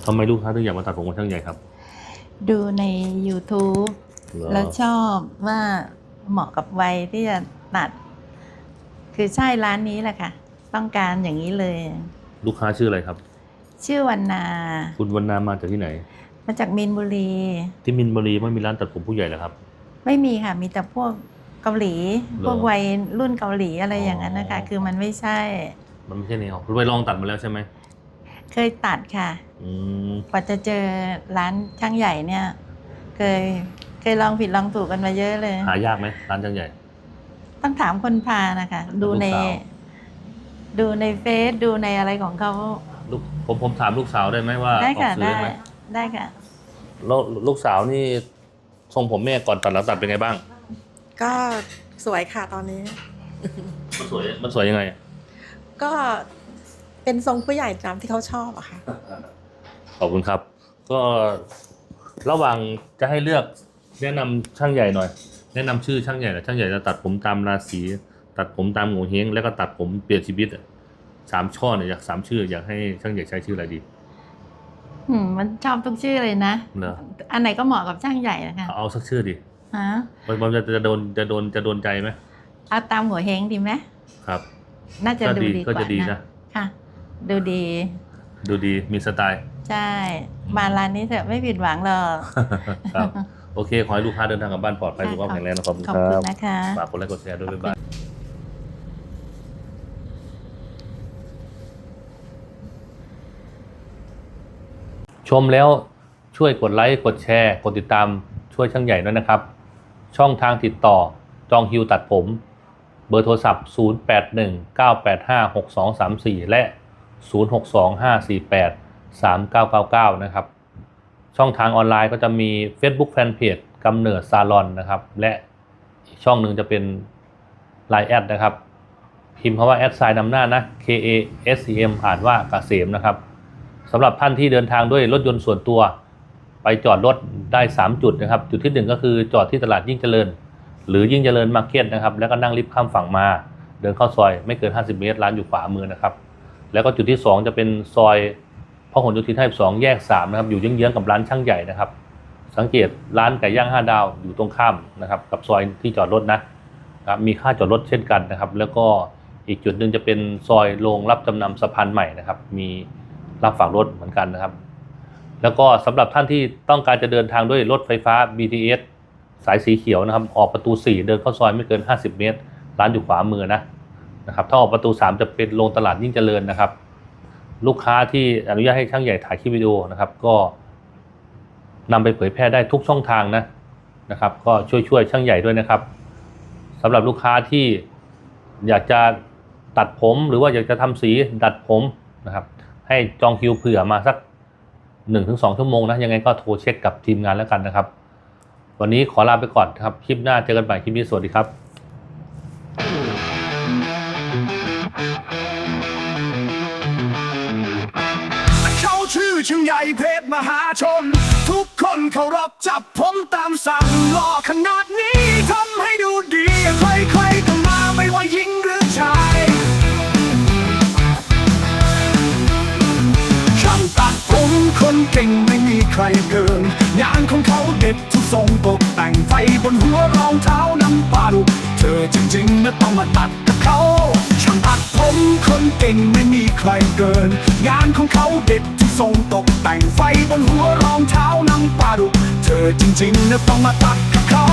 ทำไมลูกค้าถึงอยากมาตัดผมกับช่างใหญ่ครับดูใน YouTube แล้วชอบว่าเหมาะกับวัยที่จะตัดคือใช่ร้านนี้แหละค่ะต้องการอย่างนี้เลยลูกค้าชื่ออะไรครับชื่อวรรณาคุณวรรณามาจากที่ไหนมาจากมีนบุรีที่มีนบุรีไม่มีร้านตัดผมผู้ใหญ่เหรอครับไม่มีค่ะมีแต่พวกเกาหลีพวกวัยรุ่นเกาหลีอะไรอย่างนั้นนะคะคือมันไม่ใช่แนวไปลองตัดมาแล้วใช่ไหมเคยตัดค่ะกว่าจะเจอร้านช่างใหญ่เนี่ยเคยลองผิดลองถูกกันมาเยอะเลยหายากไหมร้านช่างใหญ่ต้องถามคนพานะคะดูในเฟซดูในอะไรของเขาผมถามลูกสาวได้ไหมว่าได้ค่ะได้ค่ะแล้วลูกสาวนี่ทรงผมแม่ก่อนตัดแล้วตัดเป็นไงบ้างก็สวยค่ะตอนนี้มันสวยยังไงก็เป็นทรงผู้ใหญ่ตามที่เขาชอบอะค่ะขอบคุณครับก็ระหว่างจะให้เลือกแนะนำช่างใหญ่หน่อยแนะนำชื่อช่างใหญ่หน่อยช่างใหญ่จะตัดผมตามราศีตัดผมตามโงเฮงแล้วก็ตัดผมเปลี่ยนชีวิต3 ช่อเนี่ยอยาก3 ชื่ออยากให้ช่างใหญ่ใช้ชื่ออะไรดีมันชอบทุกชื่อเลยนะอันไหนก็เหมาะกับช่างใหญ่นะคะเอาสักชื่อดิฮะมันจะโดนใจไหมเอาตามหัวเฮงดีไหมครับน่าจะดูดีกว่านะค่ะดูดีมีสไตล์ใช่มาร้านนี้เถอะไม่ผิดหวังหรอกครับโอเคขอให้ลูกค้าเดินทางกลับบ้านปลอดภัยสุขภาพแข็งแรงนะครับขอบคุณนะคะฝากกดไลค์กดแชร์ด้วยบ๊ายบายชมแล้วช่วยกดไลค์กดแชร์กดติดตามช่วยช่างใหญ่ด้วยนะครับช่องทางติดต่อจองคิวตัดผมเบอร์โทรศัพท์0819856234และ0625483999นะครับช่องทางออนไลน์ก็จะมี Facebook Fanpage กำเนิดซาลอนนะครับและอีกช่องหนึ่งจะเป็น Line แอดนะครับพิมพ์คำว่าแอดไซน์นำหน้านะ KASEM อ่านว่าเกษมนะครับสำหรับท่านที่เดินทางด้วยรถยนต์ส่วนตัวไปจอดรถได้3 จุดนะครับจุดที่1ก็คือจอดที่ตลาดยิ่งเจริญหรือยิ่งเจริญมาร์เก็ตนะครับแล้วก็นั่งลิฟต์ข้ามฝั่งมาเดินเข้าซอยไม่เกิน50 เมตรร้านอยู่ขวามือนะครับแล้วก็จุดที่2จะเป็นซอยพหลโยธิน52แยก3นะครับอยู่เยื้องๆกับร้านช่างใหญ่นะครับสังเกตร้านไก่ย่าง5 ดาวอยู่ตรงข้ามนะครับกับซอยที่จอดรถนะครับมีค่าจอดรถเช่นกันนะครับแล้วก็อีกจุดหนึ่งจะเป็นซอยโรงรับจำนำสะพานใหม่นะครับมีรับฝากรถเหมือนกันนะครับแล้วก็สำหรับท่านที่ต้องการจะเดินทางด้วยรถไฟฟ้า BTS สายสีเขียวนะครับออกประตู4เดินเข้าซอยไม่เกิน50 เมตรร้านอยู่ขวามือนะครับถ้าออกประตู3จะเป็นโรงตลาดยิ่งเจริญนะครับลูกค้าที่อนุญาตให้ช่างใหญ่ถ่ายคลิปวิดีโอนะครับก็นำไปเผยแพร่ได้ทุกช่องทางนะครับก็ช่วยช่างใหญ่ด้วยนะครับสำหรับลูกค้าที่อยากจะตัดผมหรือว่าอยากจะทำสีดัดผมนะครับให้จองคิวเผื่อมาสัก 1-2 ชั่วโมงนะยังไงก็โทรเช็คกับทีมงานแล้วกันนะครับวันนี้ขอลาไปก่อนครับคลิปหน้าเจอกันใหม่คลิปนี้สวัสดีครับเขาชื่อช่างใหญ่เพชรมหาชนทุกคนเคารพจับผมตามสั่งหล่อขนาดนี้ทำให้ดูดีใครๆก็มาไม่ว่าหญิงหรือชายช่างตัดผมคนเก่งไม่มีใครเกินงานของเขาเด็ดทุกทรงตกแต่งไฟบนหัวรองเท้าน้ำปลาดุเธอจริงๆนะต้องมาตัดกับเขาช่างตัดผมคนเก่งไม่มีใครเกินงานของเขาเด็ดทุกทรงตกแต่งไฟบนหัวรองเท้าน้ำปลาดุเธอจริงๆนะต้องมาตัดกับเขา